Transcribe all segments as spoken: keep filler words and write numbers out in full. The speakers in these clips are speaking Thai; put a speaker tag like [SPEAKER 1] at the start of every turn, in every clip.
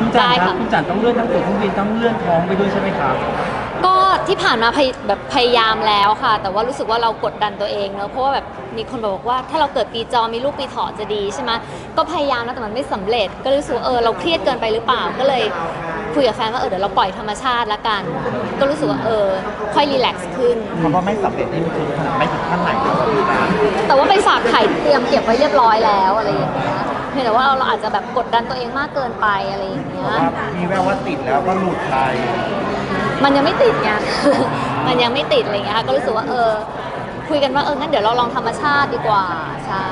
[SPEAKER 1] คุณจันครับคุณจันต้องเลื่อนทั้งตั๋วเครื่องบินต้องเลื่อนท้องไปด้วยใช่ไหมครับ
[SPEAKER 2] ก็ที่ผ่านมาพยแบบพยายามแล้วค่ะแต่ว่ารู้สึกว่าเรากดดันตัวเองเนอะเพราะว่าแบบมีคนบอกว่าถ้าเราเกิดปีจอมีลูกปีเถาะจะดีใช่ไหมก็พยายามแล้วแต่มันไม่สำเร็จก็รู้สึกว่าเออเราเครียดเกินไปหรือเปล่าก็เลยคุยกับแฟนว่าเออเดี๋ยวเราปล่อยธรรมชาติละกันก็รู้สึกว่าเออค่อยรีแลกซ์ขึ้น
[SPEAKER 3] คำว่าไม่สำเร็จนี่มันคือขนาดไม่ถึงขั้นไหนแล้วพี่นะ
[SPEAKER 2] แต่ว่าไปฝากไข่เตรียมเก็บไว้เรียบร้อยแล้วอะไรอย่างเงี้ยเพียงแต่ว่าเราอาจจะแบบกดดันตัวเองมากเกินไปอะไรอย่างเงี้ย
[SPEAKER 3] มีแววว่าติดแล้วก็หลุดไป
[SPEAKER 2] มันยังไม่ติดไง มันยังไม่ติดอะไรเงี้ยค่ะก็รู้สึกว่าเออคุยกันว่าเอองั้นเดี๋ยวเราลองธรรมชาติดีกว่าใช่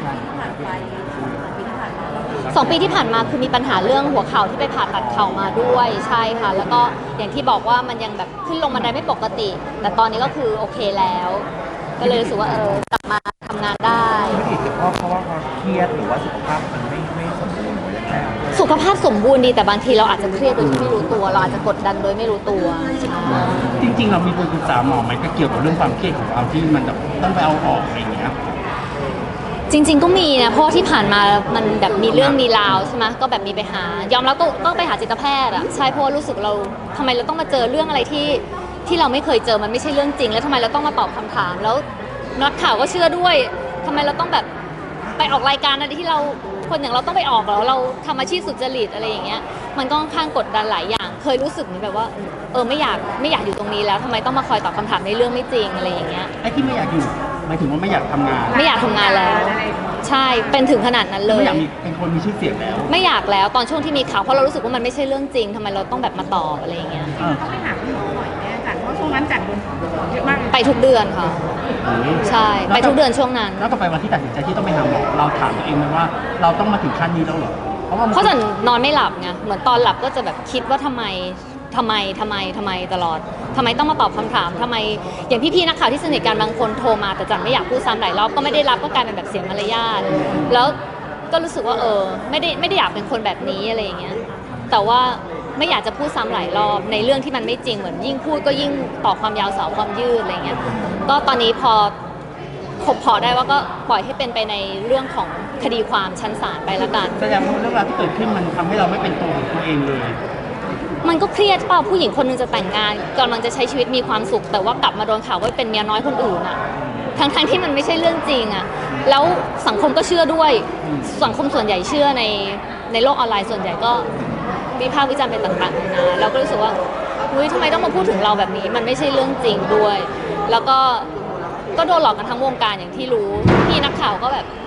[SPEAKER 2] สองปีที่ผ่านมาคือมีปัญหาเรื่องหัวเข่าที่ไปผ่าตัดเข่ามาด้วยใช่ค่ะแล้วก็อย่างที่บอกว่ามันยังแบบขึ้นลงบันไดไม่ปกติแต่ตอนนี้ก็คือโอเคแล้วก็เลยรู้สึกว่าเออกลับมาทำงานได้
[SPEAKER 3] ไม่ติดเพราะเพราะว่าความเครียดหรือว่าสุขภาพมันไม่ไม่สมบูรณ์หรือยังไง
[SPEAKER 2] สุขภาพสมบูรณ์ดีแต่บางทีเราอาจจะเครียดโดยที่ไม่รู้ตัวเราอาจจะกดดันโดยไม่รู้ตัว
[SPEAKER 1] จริงๆเรามีปรึกษาหมอไหมก็เกี่ยวกับเรื่องความเครียดของเราที่มันแบบต้องไปเอาออกอะไรอย่างเงี้ย
[SPEAKER 2] จริงๆก็มีนะเพราะที่ผ่านมามันแบบมีเรื่องมีราวใช่ไหมก็แบบมีไปหายอมแล้วก็ก็ไปหาจิตแพทย์อ่ะใช่เพราะรู้สึกเราทำไมเราต้องมาเจอเรื่องอะไรที่ที่เราไม่เคยเจอมันไม่ใช่เรื่องจริงแล้วทำไมเราต้องมาตอบคำถามแล้วนักข่าวก็เชื่อด้วยทำไมเราต้องแบบไปออกรายการอะไรที่เราคนอย่างเราต้องไปออกแล้วเราทำอาชีพสุจริตอะไรอย่างเงี้ยมันก็ค่อนข้างกดดันหลายอย่างเคยรู้สึกเหมือนแบบว่าเออไม่อยากไม่อยากอยู่ตรงนี้แล้วทำไมต้องมาคอยตอบคำถามในเรื่องไม่จริงอะไรอย่างเงี้ย
[SPEAKER 1] ไอ้ที่ไม่อยากอยู่หมายถึงว่าไม่อยากทำงาน
[SPEAKER 2] ไม่อยากทำงานแล้วใช่เป็นถึงขนาดนั้นเลย
[SPEAKER 1] ไม่อยากมีเป็นคนมีชื่อเสียงแล้ว
[SPEAKER 2] ไม่อยากแล้วตอนช่วงที่มีข่าวเพราะเรารู้สึกว่ามันไม่ใช่เรื่องจริงทำไมเราต้องแบบมาตอบอะไรอย่างเงี้ย
[SPEAKER 4] ต้องไปหาคุณหมอบ่อยแน่จันเพราะช่วงนั้นจันโดนเยอะมาก
[SPEAKER 2] ไปทุกเดือนค่ะใช่ไปทุกเดือนช่วงนั้น
[SPEAKER 1] แล้วก็ไปวันที่ตัดสินใจที่ต้องไปหาหมอเราถามตัวเองไหมว่าเราต้องมาถึงขั้นนี้แล้วเหรอ
[SPEAKER 2] เพราะว่าเพราะจันนอนไม่หลับไงเหมือนตอนหลับก็จะแบบคิดว่าทำไมทำไมทำไมทำไมตลอดทำไมต้องมาตอบคำถามทำไมอย่างพี่ๆนักข่าวที่สนิทกันบางคนโทรมาแต่จันไม่อยากพูดซ้ำหลายรอบก็ไม่ได้รับก็กลายเป็นแบบเสียมารยาทแล้วก็รู้สึกว่าเออไม่ได้ไม่ได้อยากเป็นคนแบบนี้อะไรอย่างเงี้ยแต่ว่าไม่อยากจะพูดซ้ำหลายรอบในเรื่องที่มันไม่จริงเหมือนยิ่งพูดก็ยิ่งต่อความยาวสาวความยืดอะไรเงี้ยก็ตอนนี้พอขบพอได้ว่าก็ปล่อยให้เป็นไปในเรื่องของคดีความชั้นศาลไปละกัน
[SPEAKER 1] แสดงว่าเรื่องราวที่เกิดขึ้นมันทำให้เราไม่เป็นตัวของตัวเองเลย
[SPEAKER 2] มันก็เครียดเปล่าผู้หญิงคนนึงจะแต่งงานกำลังจะใช้ชีวิตมีความสุขแต่ว่ากลับมาโดนข่าวว่าเป็นเมียน้อยคนอื่นอะทั้งทั้งที่มันไม่ใช่เรื่องจริงอะแล้วสังคมก็เชื่อด้วยสังคมส่วนใหญ่เชื่อในในโลกออนไลน์ส่วนใหญ่ก็วิพากษ์วิจารณ์ไปต่างๆนะเราก็รู้สึกว่าเฮ้ยทำไมต้องมาพูดถึงเราแบบนี้มันไม่ใช่เรื่องจริงด้วยแล้วก็ก็โดนหลอกกันทั้งวงการอย่างที่รู้พี่นักข่าวก็แบบ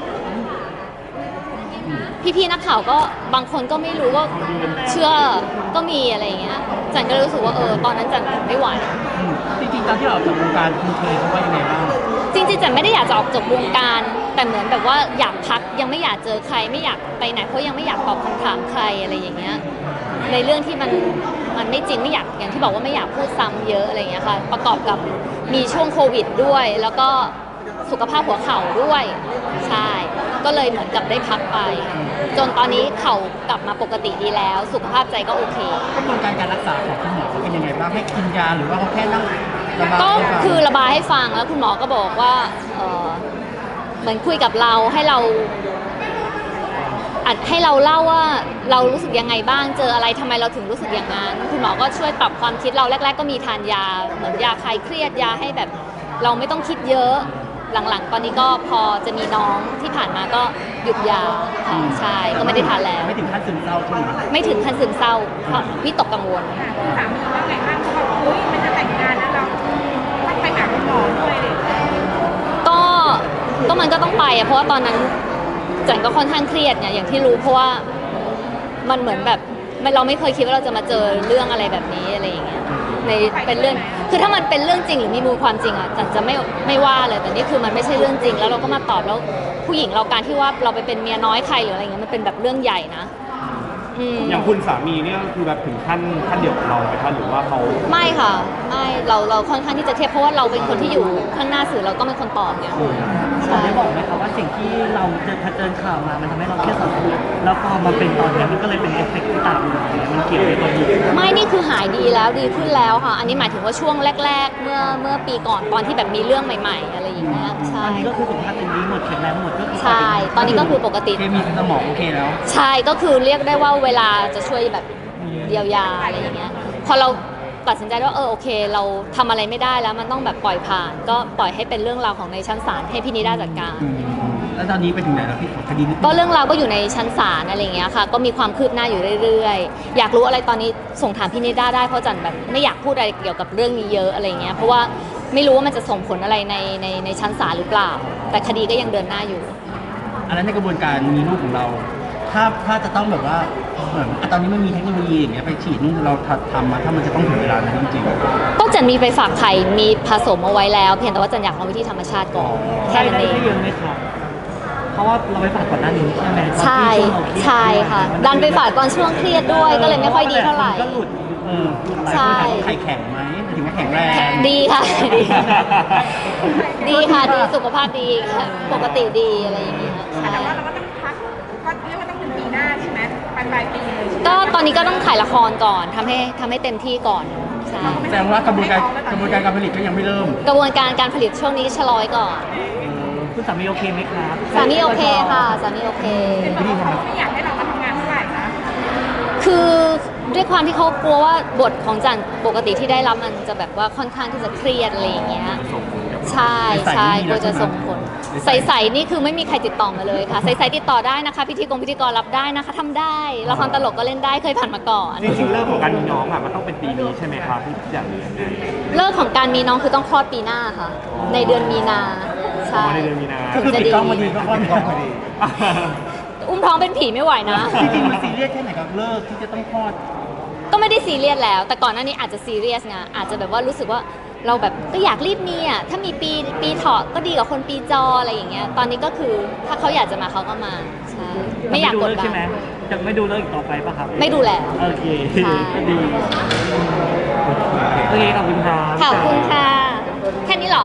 [SPEAKER 2] พี่ๆนักข่าวก็บางคนก็ไม่รู้ก็เชื่อก็มีอะไรอย่างเงี้ยจันก็รู้สึกว่าเออตอนนั้นจันไม่ไหว
[SPEAKER 1] จริงๆตอนที่เราออกจากวงการคุณเคยเขาว่ายังไงบ้าง
[SPEAKER 2] จริงๆจันไม่ได้อยากจะออกจากวงการแต่เหมือนแบบว่าอยากพักยังไม่อยากเจอใครไม่อยากไปไหนเพราะยังไม่อยากตอบคำถามใครอะไรอย่างเงี้ยในเรื่องที่มันมันไม่จริงไม่อยากอย่างที่บอกว่าไม่อยากพูดซ้ำเยอะอะไรอย่างเงี้ยค่ะประกอบกับมีช่วงโควิดด้วยแล้วก็สุขภาพหัวเข่าด้วยใช่ก็เลยเหมือนกับได้พักไปจนตอนนี้เข่ากลับมาปกติดีแล้วสุขภาพใจก็โอเค
[SPEAKER 1] กระบวนการการรักษาของคุณหมอเป็นยังไงบ้างให้กินยาหรือว่าเขาแค่นั่ง
[SPEAKER 2] ก็คือระบายให้ฟังแล้วคุณหมอก็บอกว่าเออเหมือนคุยกับเราให้เราอัดให้เราเล่าว่าเรารู้สึกยังไงบ้างเจออะไรทำไมเราถึงรู้สึกอย่างนั้นคุณหมอก็ช่วยปรับความคิดเราแรกๆก็มีทานยาเหมือนยาคลายเครียดยาให้แบบเราไม่ต้องคิดเยอะหลังๆตอนนี้ก็พอจะมีน้องที่ผ่านมาก็หยุดยาค่ะใช่ก็ไม่ได้ทานแล้ว
[SPEAKER 1] ไม่ถึงขั้นซึมเศร้าใช่ไหม
[SPEAKER 2] ไม่ถึงขั้นซึมเศร้าเพราะวิตกกังวล
[SPEAKER 4] สามีว่าไงบ้างเขาบอกเฮ้ยมันจะแต่งงานแล้วเราต้องไปหาคุณหมอด้วยเลย
[SPEAKER 2] ก็ก็มันก็ต้องไปอะเพราะว่าตอนนั้นจันก็ค่อนข้างเครียดเนี่ยอย่างที่รู้เพราะว่ามันเหมือนแบบเราไม่เคยคิดว่าเราจะมาเจอเรื่องอะไรแบบนี้อะไรอย่างเงี้ยในเป็นเรื่องคือถ้ามันเป็นเรื่องจริงหรือมีมูลความจริงอ่ะจันจะไม่ไม่ว่าเลยแต่นี่คือมันไม่ใช่เรื่องจริงแล้วเราก็มาตอบแล้วผู้หญิงเราการที่ว่าเราไปเป็นเมียน้อยใครหรืออะไรเงี้ยมันเป็นแบบเรื่องใหญ่นะ
[SPEAKER 3] อย่างคุณสามีเนี่ยคือแบบถึงขั้นขั้นเดียวกับเราไหมคะหรือว่าเขา
[SPEAKER 2] ไม่ค่ะไม่เราเราค่อนข้างที่จะเทียบเพราะว่าเราเป็นคนที่อยู่ข้างหน้าสื่อเราก็เป็นคนตอบเนี่ย
[SPEAKER 1] เราได้บอกไหมคะว่าสิ่งที่เราเจอเจอข่าวมามันทำให้เราเครียดสะสมแล้วพอมาเป็นตอนนี้มันก็เลยเป็นเอฟเฟกต์ที่ตามมามันเกี่ยวกับตัวนี้
[SPEAKER 2] ไม่นี่คือคือหายดีแล้วดีขึ้นแล้วค่ะ อันนี้หมายถึงว่าช่วงแรก ๆ เมื่อเมื่อปีก่อนตอนที่แบบมีเรื่องใหม่ ๆ อะไรอย่างเงี้ยใช่
[SPEAKER 1] ตอนนี้ก็คือสุขภาพเป็นดีหมดแข็งแรงหมดก็คือ
[SPEAKER 2] ใช่ตอนนี้ก็คือปกติ
[SPEAKER 1] เคมีสมองโอเคแล้ว
[SPEAKER 2] ใช่ก็คือเรียกได้ว่าเวลาจะช่วยแบบเยียวยาอะไรอย่างเงี้ยพอเราตัดสินใจว่าเออโอเค เราทำอะไรไม่ได้แล้วมันต้องแบบปล่อยผ่าน ก็ปล่อยให้เป็นเรื่องราวของในชั้นศาลให้พี่นิด้าจัดการ
[SPEAKER 1] อืมแล้วตอนนี้ไปถึงไหนแล้วพี่คดีนี้
[SPEAKER 2] ก็เรื่องราวก็อยู่ในชั้นศาลอะไรอย่างเงี้ยค่ะ ก็มีความคืบหน้าอยู่เรื่อยๆ อยากรู้อะไรตอนนี้ส่งถามพี่นิด้าได้เพราะจันแบบไม่อยากพูดอะไรเกี่ยวกับเรื่องนี้เยอะอะไรเงี้ยเพราะว่าไม่รู้ว่ามันจะส่งผลอะไรในในในชั้นศาลหรือเปล่า แต่คดีก็ยังเดินหน้าอยู่
[SPEAKER 1] อันนั้นในกระบวนการมีลูกของเรา ถ้าถ้าจะต้องแบบว่าเหมือนอ่ะตอนนี้มันมีเทคโนโลยีอย่างเงี้ยไปฉีดนู่นเราทำมาถ้ามันจะต้องถึงเวลานั้นจริง
[SPEAKER 2] ก็จันมีไปฝากไข่มีผสมเอาไว้แล้ว เพียงแต่ว่าจันอยากลองวิธีธรรมชาติก่อนแค่นั้นเอง
[SPEAKER 5] ได้เยอะไหมครับ เพราะว่าเราไปฝากก่อนหน้านี้ใช่ไหมตอน
[SPEAKER 2] ใช่
[SPEAKER 5] ที่ช่วงเราเครียด
[SPEAKER 2] ใช่ค่ะ ดันไปฝากตอนช่วงเครียดด้วยก็เลยไม่ค่อยดีเท่าไหร่
[SPEAKER 5] ก็หลุด
[SPEAKER 1] ๆเออ
[SPEAKER 2] ใช่
[SPEAKER 1] หลายคนถามว่าไข่แข็งไหมหมายถึงว่าแข็งแรง
[SPEAKER 2] ดีค่ะ ดีค่ะดีสุขภาพดีค่ะปกติดีอะไรอย่างเงี้ยใช่
[SPEAKER 4] แต่ว่าเราก็ต้องพักก็เรียกว่าต้องเป็นปีหน้าใช่ไหมปลายปลายปีเลยใช่ไหม
[SPEAKER 2] ก็ตอนนี้ก็ต้องถ่ายละครก่อนทำให้ทำให้เต็มที่ก่อนใช่
[SPEAKER 1] แสดงว่ากระบวนการกระบวนการการผลิตก็ยังไม่เริ่ม
[SPEAKER 2] กระบวนการการผลิตช่วงนี้ชะลอยก่อน
[SPEAKER 5] คุณสามีโอเคไหมครับ
[SPEAKER 2] สามีโอเคค่ะสามีโอเค
[SPEAKER 4] เป็นเพราะว่าเขาไม่อยากให้เรามาทำงานเท่าไหร่นะ
[SPEAKER 2] คือด้วยความที่เขากลัวว่าบทของจันปกติที่ได้รับมันจะแบบว่าค่อนข้างที่จะเครียดอะไรอย่างเงี้ยใช่ใช่กลัวจะส่งผลใสๆนี่คือไม่มีใครติดต่อมาเลยค่ะใสๆติดต่อได้นะคะพิธีกรพิธีกรรับได้นะคะทำได้ละครตลกก็เล่นได้เคยผ่านมาก่อน
[SPEAKER 3] จริงๆเรื่องของการมีน้องอ่ะมันต้องเป็นปีนี้ใช่ไหมครับที่อยากเรียนไง
[SPEAKER 2] เลิกของการมีน้องคือต้องคลอดปีหน้าค่ะ ในเดือนมีนาใช่
[SPEAKER 3] อ๋อในเดือนมีนา
[SPEAKER 1] ก็คือปิดกล้องพอดีก็คลอดพอดี
[SPEAKER 2] อุ้มท้องเป็นผีไม่ไหวนะ
[SPEAKER 1] จริงๆมันซีเรียสแค่ไหนกับเลิกที่จะต้องคลอด
[SPEAKER 2] ก็ไม่ได้ซีเรียสแล้ว แต่ก่อนหน้านี้อาจจะซีเรียสไงอาจจะแบบว่ารู้สึกว่าเราแบบก็อยากรีบมีอ่ะถ้ามีปีปีเถาะก็ดีกว่าคนปีจออะไรอย่างเงี้ยตอนนี้ก็คือถ้าเขาอยากจะมาเขาก็มาใช่ไม่อยากกด
[SPEAKER 5] เลิ
[SPEAKER 2] ดั
[SPEAKER 5] ใช่ไหม
[SPEAKER 2] น
[SPEAKER 5] จะไม่ดูเลิกอีกต่อไปป่ะครับ
[SPEAKER 2] ไม่ดูแล้ว
[SPEAKER 5] โอเค
[SPEAKER 2] ใช่
[SPEAKER 5] ก็ดี โอเคขอบคุณครับ
[SPEAKER 2] ขอบคุณค่ะ แค่นี้เหรอ